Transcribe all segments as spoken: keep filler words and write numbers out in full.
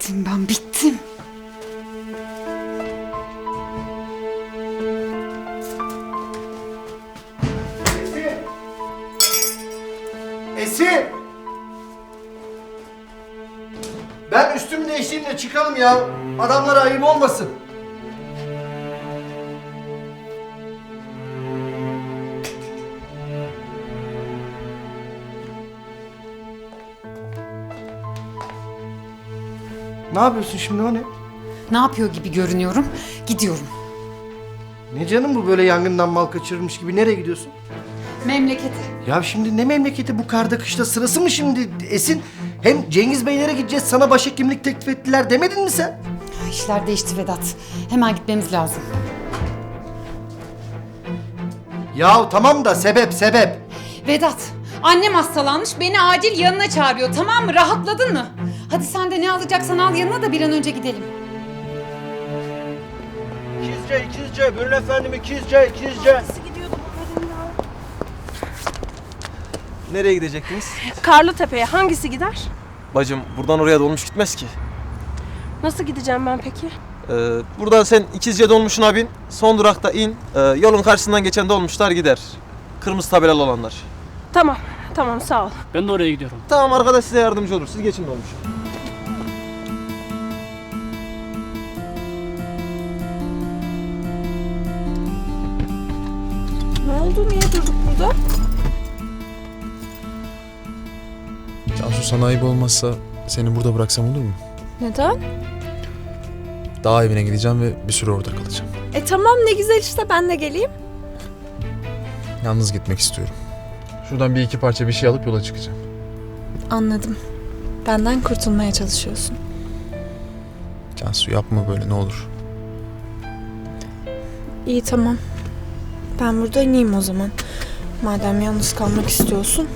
Bittim ben, bittim. Esin! Esin! Ben üstümü değiştireyim de çıkalım ya. Adamlara ayıp olmasın. Ne yapıyorsun şimdi, o ne? Ne yapıyor gibi görünüyorum? Gidiyorum. Ne canım bu böyle yangından mal kaçırmış gibi, nereye gidiyorsun? Memlekete. Ya şimdi ne memleketi, bu karda kışta sırası mı şimdi Esin? Hem Cengiz Beylere gideceğiz, sana başhekimlik teklif ettiler demedin mi sen? Ya işler değişti Vedat. Hemen gitmemiz lazım. Ya tamam da sebep sebep. Vedat, annem hastalanmış, beni acil yanına çağırıyor, tamam mı? Rahatladın mı? Hadi sen de ne alacaksan al yanına da bir an önce gidelim. İkizce, ikizce, buyurun efendim, ikizce, ikizce. Nereye gidecektiniz? Karlıtepe'ye hangisi gider? Bacım buradan oraya dolmuş gitmez ki. Nasıl gideceğim ben peki? Ee, buradan sen İkizce dolmuşuna bin, son durakta in, ee, yolun karşısından geçen dolmuşlar gider. Kırmızı tabelalı olanlar. Tamam, tamam sağ ol. Ben de oraya gidiyorum. Tamam, arkadaş size yardımcı olur, siz geçin dolmuşa. Ne oldu? Niye durduk burada? Cansu, sana ayıp olmazsa seni burada bıraksam olur mu? Neden? Dağ evine gideceğim ve bir süre orada kalacağım. E tamam ne güzel işte ben de geleyim. Yalnız gitmek istiyorum. Şuradan bir iki parça bir şey alıp yola çıkacağım. Anladım. Benden kurtulmaya çalışıyorsun. Cansu, yapma böyle, ne olur. İyi tamam. Ben burada ineyim o zaman. Madem yalnız kalmak istiyorsun.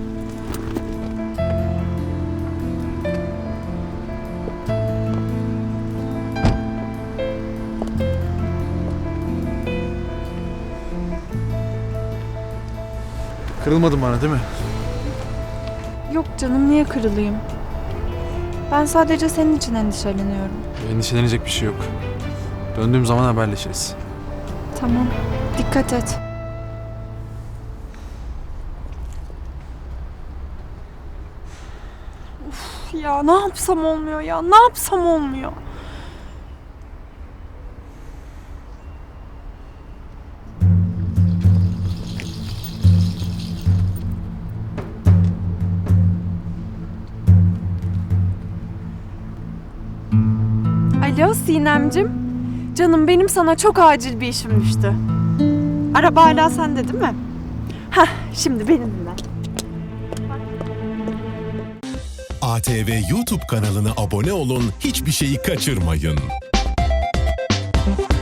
Kırılmadın bana değil mi? Yok canım niye kırılayım? Ben sadece senin için endişeleniyorum. Endişelenecek bir şey yok. Döndüğüm zaman haberleşiriz. Tamam. Dikkat et. Uf ya ne yapsam olmuyor ya. Ne yapsam olmuyor. Alo Sinemcim. Canım benim sana çok acil bir işim düştü. Araba hala sende değil mi? Hah şimdi beni dinle. A T V YouTube kanalına abone olun, hiçbir şeyi kaçırmayın.